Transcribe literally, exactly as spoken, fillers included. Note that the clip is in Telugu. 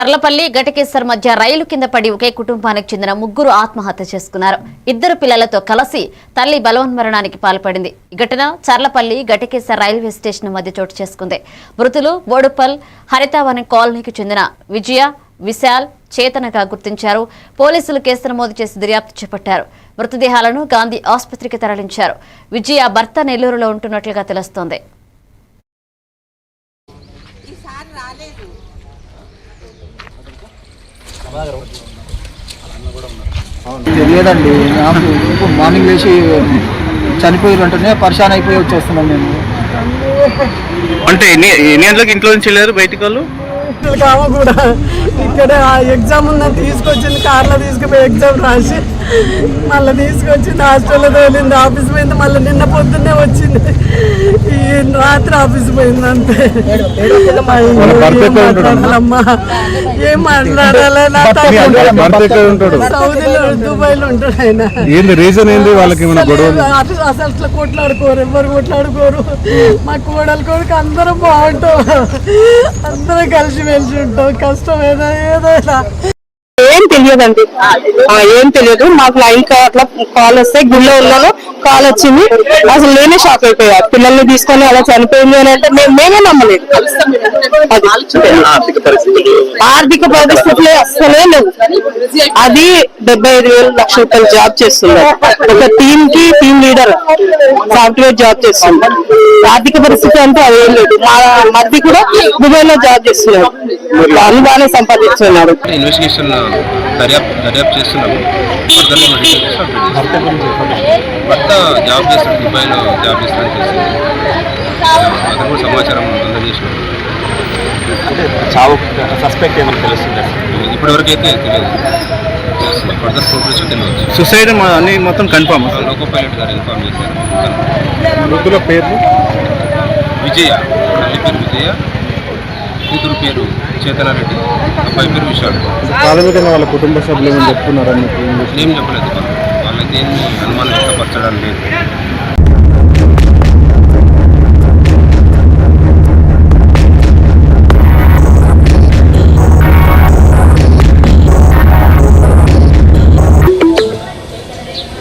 చర్లపల్లి ఘటకేసర్ మధ్య రైలు కింద పడి ఒకే కుటుంబానికి చెందిన ముగ్గురు ఆత్మహత్య చేసుకున్నారు. ఇద్దరు పిల్లలతో కలిసి తల్లి బలవన్మరణానికి పాల్పడింది. ఈ ఘటన చర్లపల్లి ఘటకేసర్ రైల్వే స్టేషన్ మధ్య చోటు చేసుకుంది. మృతులు బోడుపల్ హరితావనం కాలనీకి చెందిన విజయ, విశాల్, చేతనగా గుర్తించారు. పోలీసులు కేసు నమోదు చేసి దర్యాప్తు చేపట్టారు. మృతదేహాలను గాంధీ ఆసుపత్రికి తరలించారు. విజయ భర్త నెల్లూరులో ఉంటున్నట్లుగా తెలుస్తోంది. తెలియదండి, నాకు మార్నింగ్ లేచి చనిపోయారు అంటేనే పరిశాన్ అయిపోయి వచ్చేస్తున్నాం మేము. అంటే ఎన్ని ఎన్ని గంటలకు ఇంట్లో నుంచి వెళ్ళారు బయటికి వాళ్ళు? కావ కూడా ఇక్కడ ఎగ్జామ్ ఉందని తీసుకొచ్చింది, కార్లో తీసుకుపోయి ఎగ్జామ్ రాసి మళ్ళీ తీసుకొచ్చింది, హాస్టల్లో తోలింది, ఆఫీస్ పోయింది, మళ్ళీ నిన్న పొద్దున్నే వచ్చింది, ఈ రాత్రి ఆఫీస్ పోయింది. అంతే అమ్మా ఏం మాట్లాడాలి. సౌదీలో దుబాయ్లో ఉంటాడు ఆయన. అసలు అట్లా కొట్లాడుకోరు, ఎవరు కొట్లాడుకోరు. మా కోడలు కొడుకు అందరం బాగుంటాం, అందరం కలిసి మెలిసి ఉంటాం. కష్టం ఏదో ఏదైనా ఏం తెలియదండి, ఏం తెలియదు. మాకు లైన్ అట్లా కాల్ వస్తే గుళ్ళో ఉన్నాను, కాల్ వచ్చింది. అసలు నేనే షాక్ అయిపోయా. పిల్లల్ని తీసుకొని అలా చనిపోయింది అని అంటే మేమే నమ్మలేదు. ఆర్థిక పరిస్థితులే అస్సలే లేవు. అది డెబ్బై ఐదు వేలు లక్ష రూపాయలు జాబ్ చేస్తున్నారు. ఒక టీమ్ కి టీమ్ లీడర్ సాఫ్ట్వేర్ జాబ్ చేస్తున్నారు. ఆర్థిక పరిస్థితి అంటే అదేం లేదు. మా మధ్య కూడా దుబాయ్ లో జాబ్ చేస్తున్నారు, వాళ్ళు బాగానే సంపాదిస్తున్నారు. దర్యాప్తు దర్యాప్తు చేస్తున్నాము. భర్త జాబ్ చేస్తాడు, దుబాయ్లో జాబ్ చేస్తాడని చేస్తుంది. అతను కూడా సమాచారం అందజేసినాం. సస్పెక్ట్ ఏమైనా తెలుస్తుంది? ఇప్పటివరకు అయితే తెలియదు. ఫర్దర్ ప్రోగ్రెస్ తెలియదు. సూసైడ్ అన్ని మొత్తం కన్ఫర్మ్. లోకో పైలట్ గారు ఇన్ఫార్మ్ చేశారు. మృతుల పేర్లు విజయ, తల్లి పేరు విజయ, కూతురు పేరు చేతనారెడ్డి, అబ్బాయి పేరు విశాల్. ప్రాథమికంగా వాళ్ళ కుటుంబ సభ్యులు ఏమని చెప్తున్నారని ఏం చెప్పలేదు. వాళ్ళకి ఏమి అనుమానం వ్యక్తపరచడం లేదు.